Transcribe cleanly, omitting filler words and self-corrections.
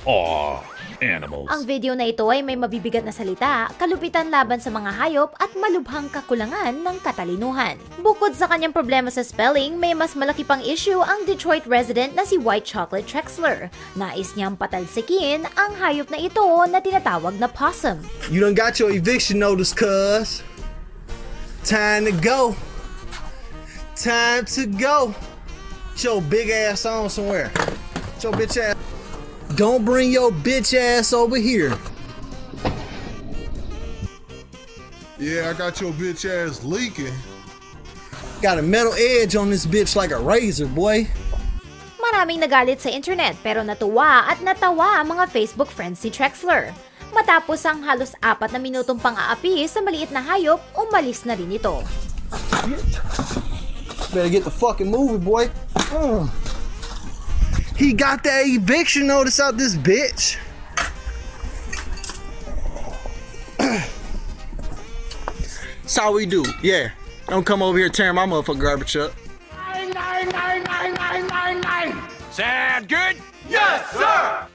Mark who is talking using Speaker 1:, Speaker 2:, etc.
Speaker 1: Animals.
Speaker 2: Ang video na ito ay may mabibigat na salita, kalupitan laban sa mga hayop at malubhang kakulangan ng katalinuhan. Bukod sa kanyang problema sa spelling, may mas malaki pang issue ang Detroit resident na si White Chocolate Trexler. Nais niyang patalsikin ang hayop na ito na tinatawag na possum.
Speaker 3: You done got your eviction notice, cuz. Time to go. Time to go. Get your big ass on somewhere. Get your bitch ass. Don't bring your bitch ass over here.
Speaker 4: Yeah, I got your bitch ass leaking.
Speaker 3: Got a metal edge on this bitch like a razor, boy.
Speaker 2: Maraming nagalit sa internet pero natuwa at natawa ang mga Facebook friends ni Trexler. Matapos ang halos 4 na minutong pang-aapi sa maliit na hayop, umalis na rin ito.
Speaker 3: Better get the fucking movie, boy. He got that eviction notice out this bitch. That's how we do. Yeah. Don't come over here tearing my motherfucking garbage up.
Speaker 1: Sound good? Yes, sir!